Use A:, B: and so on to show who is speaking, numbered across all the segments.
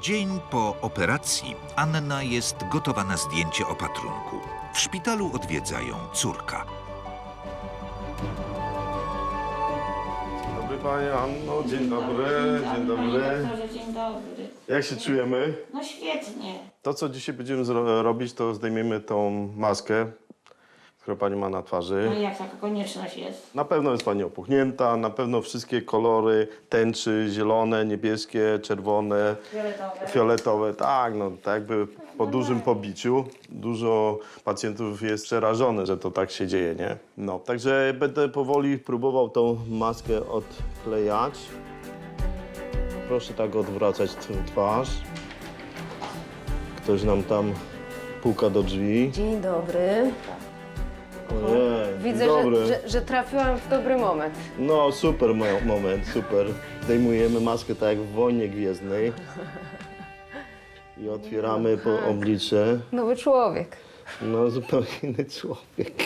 A: Dzień po operacji Anna jest gotowa na zdjęcie opatrunku. W szpitalu odwiedza ją córka.
B: Dzień dobry Pani Anno, dzień dobry, dzień dobry.
C: Panie doktorze, dzień dobry.
B: Jak się czujemy?
C: No świetnie.
B: To, co dzisiaj będziemy robić, to zdejmiemy tą maskę, którą Pani ma na twarzy.
C: No i jak taka konieczność jest?
B: Na pewno jest Pani opuchnięta, na pewno wszystkie kolory tęczy, zielone, niebieskie, czerwone,
C: Fioletowe.
B: fioletowe, tak, no tak jakby po dużym pobiciu. Dużo pacjentów jest przerażone, że to tak się dzieje, nie? No, także będę powoli próbował tą maskę odklejać. Proszę tak odwracać twarz. Ktoś nam tam puka do drzwi.
D: Dzień dobry.
B: Ojej,
D: Widzę,
B: dobry.
D: że trafiłam w dobry moment.
B: No, super moment, super. Zdejmujemy maskę tak jak w Wojnie Gwiezdnej. I otwieramy po oblicze.
D: Nowy człowiek.
B: No, zupełnie inny człowiek.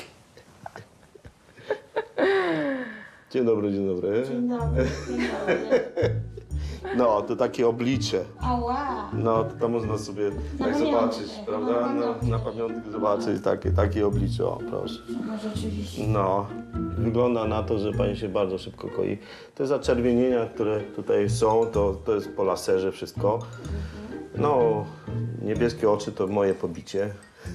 B: Dzień dobry, dzień dobry.
C: Dzień dobry, dzień dobry.
B: No, to takie oblicze.
C: Ała.
B: No, to można sobie tak
C: pamiątkę.
B: zobaczyć, prawda? No, na pamiątkę zobaczyć takie oblicze, o proszę.
C: No rzeczywiście.
B: No, wygląda na to, że pani się bardzo szybko koi. Te zaczerwienienia, które tutaj są, to jest po laserze wszystko. No, niebieskie oczy to moje pobicie.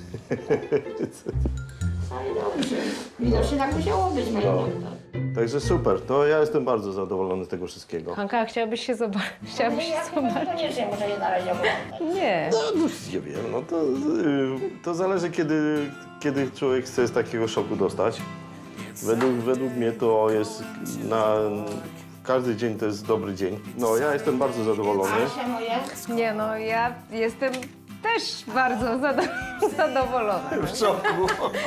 C: Ale dobrze. Widocznie tak musiało być, panie
B: No.
C: doktor.
B: Także super, to ja jestem bardzo zadowolony z tego wszystkiego.
D: Hanka, chciałabyś się zobaczyć? Chciałabyś się
C: Ja chyba
D: zobaczyć?
C: koniecznie muszę je na razie oglądać.
D: Nie.
B: No, nie wiem, no to zależy, kiedy człowiek chce z takiego szoku dostać. Według mnie to jest każdy dzień to jest dobry dzień. No, ja jestem bardzo zadowolony.
C: Asia moja?
D: Nie no, ja jestem też bardzo zadowolona.
B: W szoku.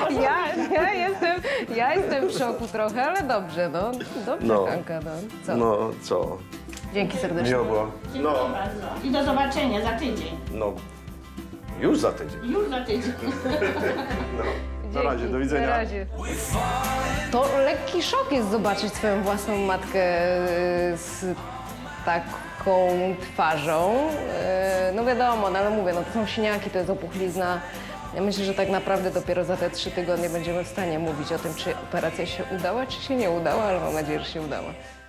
D: Ja jestem w szoku trochę, ale dobrze, no. Dobrze,
B: No.
D: Hanka, no. Co?
B: No, co?
D: Dzięki serdecznie.
B: Miło było.
C: Dziękuję bardzo. I do zobaczenia za tydzień.
B: No, już za tydzień.
C: Już za tydzień.
B: Na razie,
D: Dzięki,
B: do widzenia.
D: Na razie. To lekki szok jest zobaczyć swoją własną matkę z taką twarzą. No wiadomo, no ale mówię, no to są siniaki, to jest opuchlizna. Ja myślę, że tak naprawdę dopiero za te 3 tygodnie będziemy w stanie mówić o tym, czy operacja się udała, czy się nie udała, ale mam nadzieję, że się udała.